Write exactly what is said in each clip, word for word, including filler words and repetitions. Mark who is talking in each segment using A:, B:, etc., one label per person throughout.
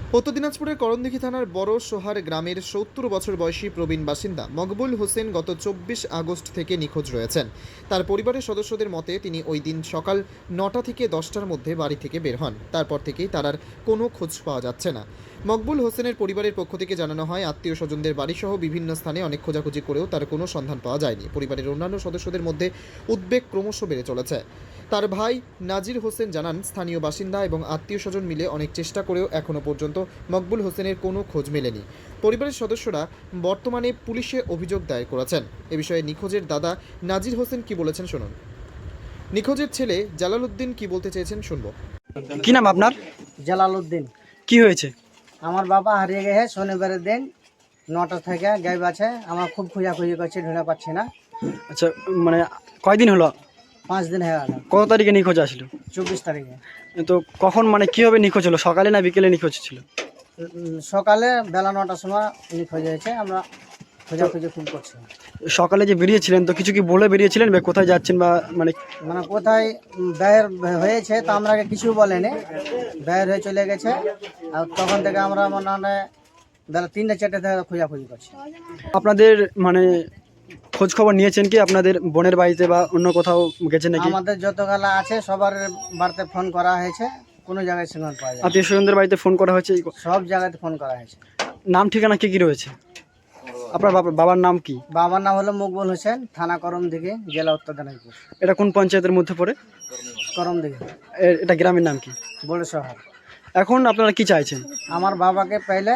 A: উত্তর দিনাজপুরের করণদিঘি থানার বড় সোহার গ্রামের সত্তর বছর বয়সী প্রবীণ বাসিন্দা মকবুল হোসেন গত চব্বিশ আগস্ট থেকে নিখোঁজ রয়েছেন। তার পরিবারের সদস্যদের মতে তিনি ওই দিন সকাল নটা থেকে দশটার মধ্যে বাড়ি থেকে বের হন। তারপর থেকেই তার আর কোনো খোঁজ পাওয়া যাচ্ছে না। মকবুল হোসেনের পরিবারের পক্ষ থেকে জানানো হয়, আত্মীয় স্বজনদের বাড়িসহ বিভিন্ন স্থানে অনেক খোঁজাখুঁজি করেও তার কোনো সন্ধান পাওয়া যায়নি। পরিবারের অন্যান্য সদস্যদের মধ্যে উদ্বেগ ক্রমশ বেড়ে চলেছে। তার ভাই নাজির হোসেন জানান, স্থানীয় বাসিন্দা এবং আত্মীয় স্বজন মিলে অনেক চেষ্টা করেও এখনও পর্যন্ত মকবুল হোসেনের কোনো খোঁজ মেলেনি। পরিবারের সদস্যরা বর্তমানে পুলিশে অভিযোগ দায়ের করেছেন। এ বিষয়ে নিখোঁজের দাদা নাজির হোসেন কি বলেছেন শুনুন। নিখোঁজের ছেলে জালালউদ্দিন কি বলতে চেয়েছেন শুনবো।
B: কি নাম আপনার?
C: জালালউদ্দিন।
B: কি হয়েছে?
C: আমার বাবা হারিয়ে গেছে শনিবারের দিন নটা থেকে গায়েব আছে। আমার খুব খোঁজাখুঁজি করছি, ঢুঁড়ে পাচ্ছি না।
B: আচ্ছা, মানে কয়দিন হলো?
C: পাঁচ দিন হয়ে গেল।
B: কত তারিখে নিখোঁজ আসলো?
C: চব্বিশ তারিখে।
B: তো কখন, মানে কীভাবে নিখোঁজ হলো? সকালে না বিকেলে নিখোঁজ ছিল?
C: উম, সকালে বেলা নটার সময় নিখোঁজ হয়েছে। আমরা খোঁজাখুঁজি খুব করছি।
B: সকালে যে বেরিয়েছিলেন তো কিছু কি বলে বেরিয়েছিলেন বা কোথায় যাচ্ছেন, বা মানে
C: মানে কোথায় বের হয়েছে তা আমরা কিছু বলেনি, বের হয়ে চলে গেছে। আর তখন থেকে আমরা মনে হয় বেলা তিনটে চারটে থেকে খোঁজাখুঁজি করছি।
B: আপনাদের মানে খোঁজ খবর নিয়েছেন কি আপনাদের বোনের বাড়িতে বা অন্য কোথাও গেছেন নাকি?
C: আমাদের যত গালা আছে সবার বাড়িতে ফোন করা হয়েছে, কোনো জায়গায় সিগন্যাল পাওয়া যায় না।
B: আত্মীয় স্বজনদের বাড়িতে ফোন করা হয়েছে?
C: সব জায়গাতে ফোন করা হয়েছে।
B: নাম ঠিকানা কি কি রয়েছে? আপনার বাবা বাবার নাম কি?
C: বাবার নাম হলো মকবুল হোসেন, থানা করমদিঘি, জেলা উত্তর দিনাজপুর।
B: এটা কোন পঞ্চায়েতের মধ্যে পড়ে?
C: করমদিঘি।
B: এ- এটা গ্রামের নাম কি?
C: বড় শহর।
B: এখন আপনারা কি চাইছেন?
C: আমার বাবাকে পেলে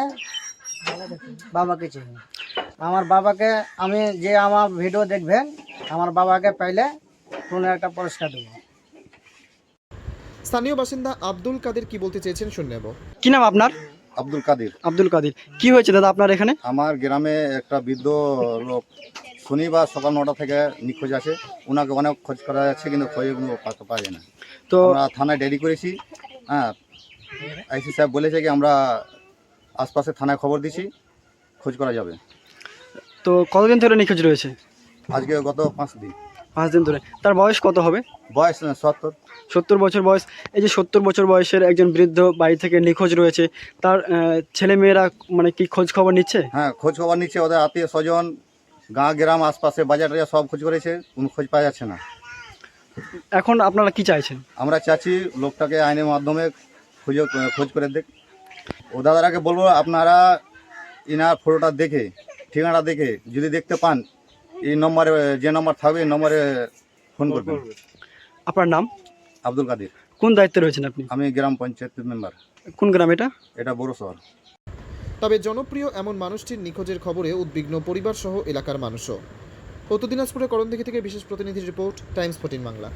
C: বাবাকে চিনি। আমার বাবাকে আমি যে আমার ভিডিও দেখবেন, আমার বাবাকে পেলে কোনো একটা পুরস্কার দেবো।
A: স্থানীয় বাসিন্দা আব্দুল কাদের কি বলতে চেয়েছেন শুনে নেব।
B: কি নাম আপনার?
D: আব্দুল কাদির।
B: আব্দুল কাদির। কি হয়েছে দাদা আপনার এখানে?
D: আমার গ্রামে একটা বৃদ্ধ লোক শনিবার সকাল নটা থেকে নিখোঁজ আছে। ওনাকে অনেক খোঁজ করা যাচ্ছে, কিন্তু খোঁজে কোনো পাওয়া পাওয়া যায় না।
B: তো
D: আমরা থানায় ডেরি করেছি। হ্যাঁ, আইসি সাহেব বলেছে কি আমরা আশপাশে থানায় খবর দিছি, খোঁজ করা যাবে।
B: তো কতদিন ধরে নিখোঁজ রয়েছে?
D: আজকে গত পাঁচ দিন।
B: পাঁচ দিন ধরে। তার বয়স কত হবে?
D: বয়স সত্তর।
B: সত্তর বছর বয়স। এই যে সত্তর বছর বয়সের একজন বৃদ্ধ বাড়ি থেকে নিখোঁজ রয়েছে, তার আহ, ছেলে মেয়েরা মানে কি খোঁজ খবর নিচ্ছে?
D: হ্যাঁ, খোঁজ খবর নিচ্ছে। ওদের আত্মীয় স্বজন, গাঁ গ্রাম আশপাশে বাজার টাজার সব খোঁজ করেছে, কোনো খোঁজ পাওয়া যাচ্ছে না।
B: এখন আপনারা কি চাইছেন?
D: আমরা চাচ্ছি লোকটাকে আইনের মাধ্যমে খুঁজে খোঁজ করে দেখ। ও দাদারাকে বলবো, আপনারা ইনার ফটোটা দেখে, ঠিকানাটা দেখে যদি দেখতে পান, এই নম্বরে, যে নম্বর থাকবে এই নম্বরে ফোন করবেন।
B: আপনার নাম?
D: আব্দুল কাদির।
B: কোন দায়িত্বে রয়েছেন আপনি?
D: আমি গ্রাম পঞ্চায়েত মেম্বার।
B: কোন গ্রাম এটা?
D: এটা বড় শহর।
A: তবে জনপ্রিয় এমন মানুষটির নিখোঁজের খবরে উদ্বিগ্ন পরিবার সহ এলাকার মানুষও। উত্তর দিনাজপুরের করণদিঘি থেকে বিশেষ প্রতিনিধির রিপোর্ট, টাইমস ফোর্টিন বাংলা।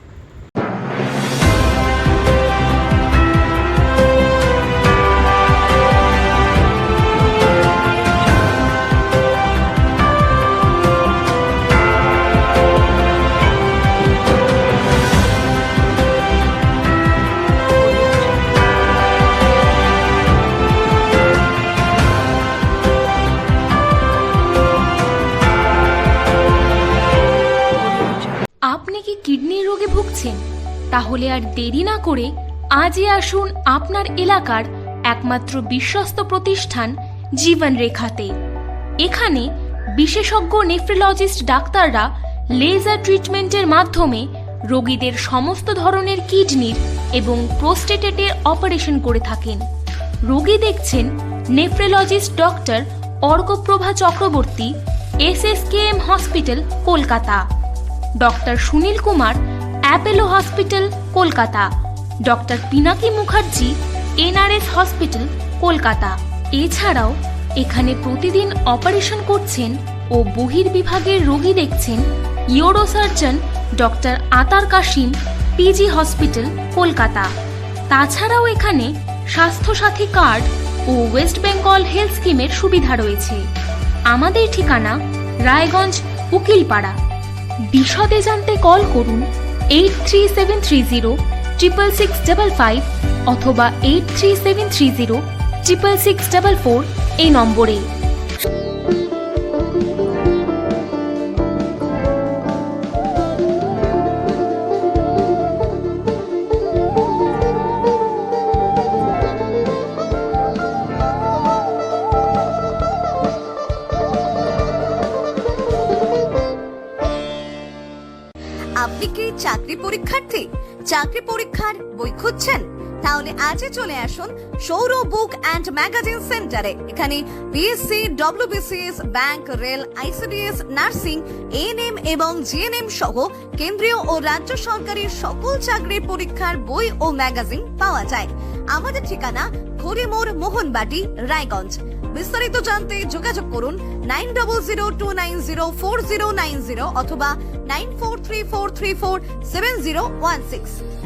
E: আপনি কি কিডনির রোগে ভুগছেন? তাহলে আর দেরি না করে আজই আসুন আপনার এলাকার একমাত্র বিশ্বস্ত প্রতিষ্ঠান জীবন রেখাতে। এখানে বিশেষজ্ঞ নেফ্রোলজিস্ট ডাক্তাররা লেজার ট্রিটমেন্টের মাধ্যমে রোগীদের সমস্ত ধরনের কিডনির এবং প্রোস্টেটেটের অপারেশন করে থাকেন। রোগী দেখছেন nephrologist doctor Arkaprabha Chakraborty, S S K M hospital, Kolkata. Doctor Sunil Kumar, Apollo hospital, Kolkata. Doctor Pinaki Mukherjee, N R S hospital, Kolkata. এছাড়াও এখানে প্রতিদিন অপারেশন করছেন ও বহির্বিভাগের রোগী দেখছেন ইউরোসার্জন ডক্টর আতার কাশিম, পিজি হসপিটাল, কলকাতা। তাছাড়াও এখানে স্বাস্থ্যসাথী কার্ড ও ওয়েস্ট বেঙ্গল হেলথ স্কিমের সুবিধা রয়েছে। আমাদের ঠিকানা রায়গঞ্জ, উকিলপাড়া। বিশদে জানতে কল করুন eight three seven three zero triple six double five অথবা eight three seven three zero triple six double four এই নম্বরে।
F: চাকরি পরীক্ষার্থী, চাকরি পরীক্ষার বই খুঁজছেন? তাহলে আজই চলে আসুন সৌর বুক অ্যান্ড ম্যাগাজিন সেন্টারে। এখানে BSc, WBCS, bank, rail, ICDS, nursing, ANM এবং জিএনএম সহ কেন্দ্রীয় ও রাজ্য সরকারের সকল চাকরির পরীক্ষার বই ও ম্যাগাজিন পাওয়া যায়। আমাদের ঠিকানা ঘড়িমোড়, মোহনবাটি, রায়গঞ্জ। বিস্তারিত জানতে যোগাযোগ করুন nine double zero two nine zero four zero nine zero অথবা nine four three four three four seven zero one six.